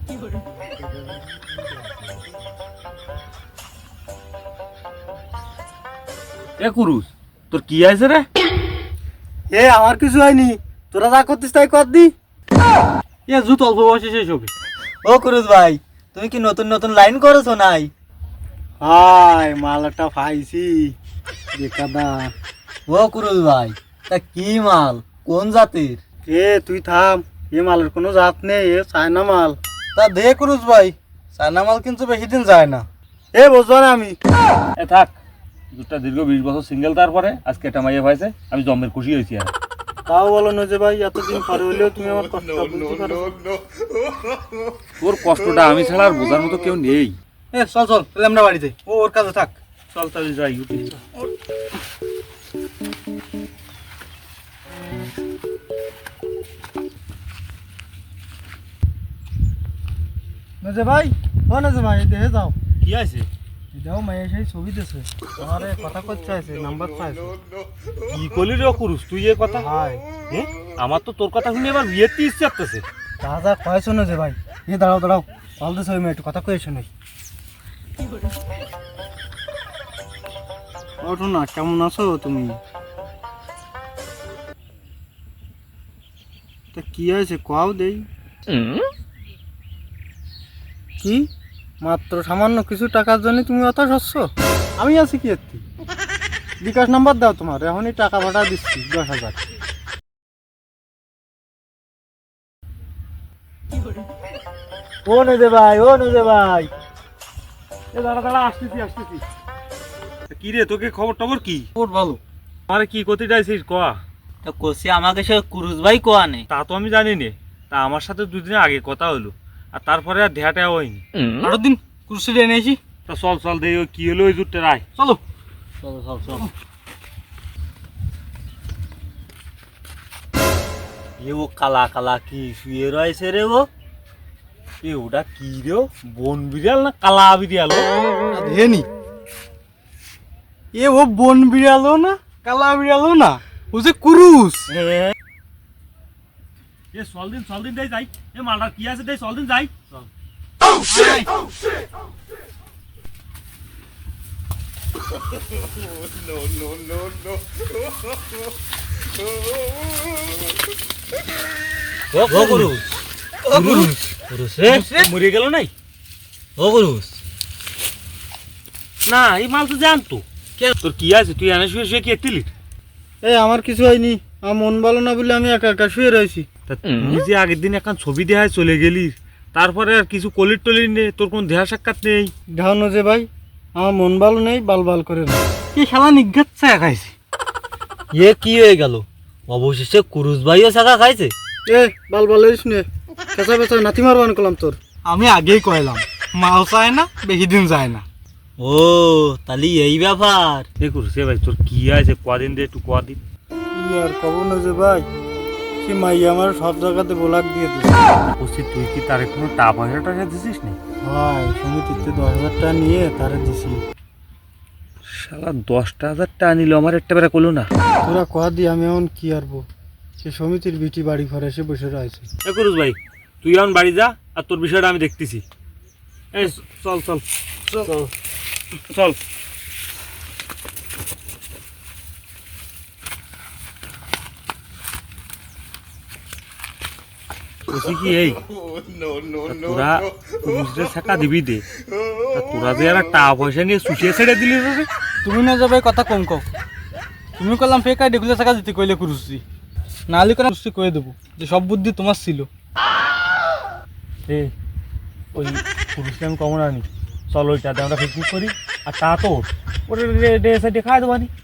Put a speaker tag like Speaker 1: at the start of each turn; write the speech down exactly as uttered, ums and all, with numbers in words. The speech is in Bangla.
Speaker 1: এ কুরুস, তোর কি আছে রে?
Speaker 2: এ আমার কিছু হয়নি, তোরা যা করতিস তাই কর দি।
Speaker 1: এ জুত অল্প বয়সে শেষ হবে।
Speaker 3: ও কুরুস ভাই, তুমি কি নতুন নতুন লাইন করেছো নাই?
Speaker 2: হাই মালটা পাইছি দেখাদা।
Speaker 3: ও কুরুস ভাই, তা কি মাল, কোন জাতের?
Speaker 2: এ তুই থাম, এ মালের কোনো জাত নেই, এ চায়না মাল।
Speaker 3: তা দে কুরুস ভাই, চায়না মাল কিন্তু বেশি দিন যায় না।
Speaker 2: এ বুঝবো না আমি।
Speaker 1: এ থাক, দুটা দীর্ঘ বিশ বছর সিঙ্গেল, তারপরে আজকে একটা মাইয়া পাইছে, আমি জম্মের খুশি হয়েছি। আর
Speaker 2: তাও বলো না যে ভাই এতদিন পরে হইলেও তুমি আমার কষ্টটা বুঝতে পারো।
Speaker 1: তোর কষ্টটা আমি ছাড়া আর বোঝার মতো কেউ নেই।
Speaker 3: এ চল চল, তাহলে আমরা বাড়িতে, ও ওর কাছে থাক।
Speaker 1: চল তাহলে যাই, উঠি।
Speaker 2: নজে ভাই, ও নজে ভাই, দেখে যাও।
Speaker 1: কি আছে?
Speaker 2: দেখো মাইয়া সেই ছবি দিয়েছে, আমারে কথা করতে চাইছে, নাম্বার চাইছে।
Speaker 1: কি করলি রে কুরুস তুই এ কথা?
Speaker 2: হাই
Speaker 1: এ? আমার তো তোর কথা শুনে এবার বিয়েতে ইচ্ছে করতেছে।
Speaker 2: যা যা কয়েছো না যে ভাই। এ দাঁড়াও দাঁড়াও, চল দিস ওই মেয়ে, একটু কথা কয়েছো নাই। ওঠো না, কেমন আছো তুমি? তা কি হয়েছে কও দেই। কি মাত্র সামান্য কিছু টাকার জন্য তুমি অত সচ্ছ? আমি আছি কি একটি বিকাশ নাম্বার দাও তোমার, এখনই টাকা ভাড়া দিচ্ছি দশ হাজার।
Speaker 3: ও নজে ভাই, ও নজে ভাই।
Speaker 1: এ দাঁড়া দাঁড়া, আসতেছি আসতেছি। কি রে, তোকে খবর টবর কি?
Speaker 3: ওর ভালো।
Speaker 1: আরে কি করতে চাইছিস কয়া?
Speaker 3: তা কোসি আমাকে সে কুরুস ভাই কোয়া নেই।
Speaker 1: তা তো আমি জানি নে। তা আমার সাথে দুদিন আগে কথা হলো, আর তারপরে আর দেহাটা হয়নি।
Speaker 3: আরো দিন কুরুসিটা এনেছি।
Speaker 1: তা চল চল দেই, ওই কি হলো ওই জুটটা রায়।
Speaker 3: চলো চলো চল চল। এ ও কালা কালা কি শুয়ে রয়েছে রে ও?
Speaker 1: এ ওটা কি রে, বন বিড়াল না কালা বিড়াল?
Speaker 2: ধেনি এ ও বন বিড়ালো না, কালা বিড়ালো না, ও যে কুরুস।
Speaker 1: এ চল দিন চল দিন দেই যাই। এ মালটা কি আছে দেই, চল দিন যাই। চল।
Speaker 3: ও কুরুস, ও কুরুস, কুরুস রে,
Speaker 1: মরে গেল নাই?
Speaker 3: ও কুরুস।
Speaker 1: না এই মাল তো জানতো। তোর কি আছে, তুই এনে শুয়ে শুয়ে কি এতিলি?
Speaker 2: এ আমার কিছু হয়নি, আমার মন ভালো না বলে আমি একা একা শুয়ে রয়েছি।
Speaker 1: তা তুই যে আগের দিন এখন ছবি দেখায় চলে গেলি, তারপরে আর কিছু কলির টলির নেই, তোর কোন দেহা সাক্ষাৎ নেই।
Speaker 2: ঢাউনো যে ভাই, আমার মন ভালো নেই, বাল বাল করে না।
Speaker 3: কি শালা নিঘাত ছায়া খাইছে। এ কি হয়ে গেল, অবশেষে কুরুস ভাইও ছাকা খাইছে।
Speaker 2: এ বাল বাল হইস নে, পেঁচা পেঁচা নাতি মারবান করলাম তোর।
Speaker 3: আমি আগেই কইলাম, মাল চায় না, বেশি দিন যায় না। ও তাহলে এই ব্যাপার।
Speaker 1: এ করছে ভাই, তোর কি আছে কদিন দে, একটু কদিন।
Speaker 2: কি আর কব না যে ভাই, সে মাইয়া আমার সব জায়গাতে ব্লক দিয়ে দিচ্ছে।
Speaker 1: বলছি তুই কি তার কোনো টা পয়সা টাকা দিছিস নি?
Speaker 2: ভাই সমিতিতে দশ হাজার টাকা নিয়ে তারে দিছি।
Speaker 1: শালা দশটা হাজার টাকা নিল, আমার একটা বেলা করলো না।
Speaker 2: তোরা কয়া দি আমি এখন কি আরবো, সে সমিতির বিটি বাড়ি ঘরে এসে বসে রয়েছে।
Speaker 1: এ করুস ভাই, তুই এখন বাড়ি যা, আর তোর বিষয়টা আমি দেখতেছি। এই চল চল চল চল। বলছি কি, এই তোরা পুলিশদের টাকা দিবি দে, তা তোরা যে আর টাকা পয়সা নিয়ে সুশিয়ে ছেড়ে দিলি রে।
Speaker 2: তুমি না যাবে কথা কম কও, তুমি করলাম ফেক আইডি খুলে টাকা দিতে কইলে কুরুসি, নাহলে করে কুরুসি কয়ে দেবো যে সব বুদ্ধি তোমার ছিল।
Speaker 1: এই ওই পুলিশকে আমি কমন আনি, চল ওইটাতে আমরা পিকনিক করি, আর তা তো ওটা ডে সাইডে খাওয়া দেবানি।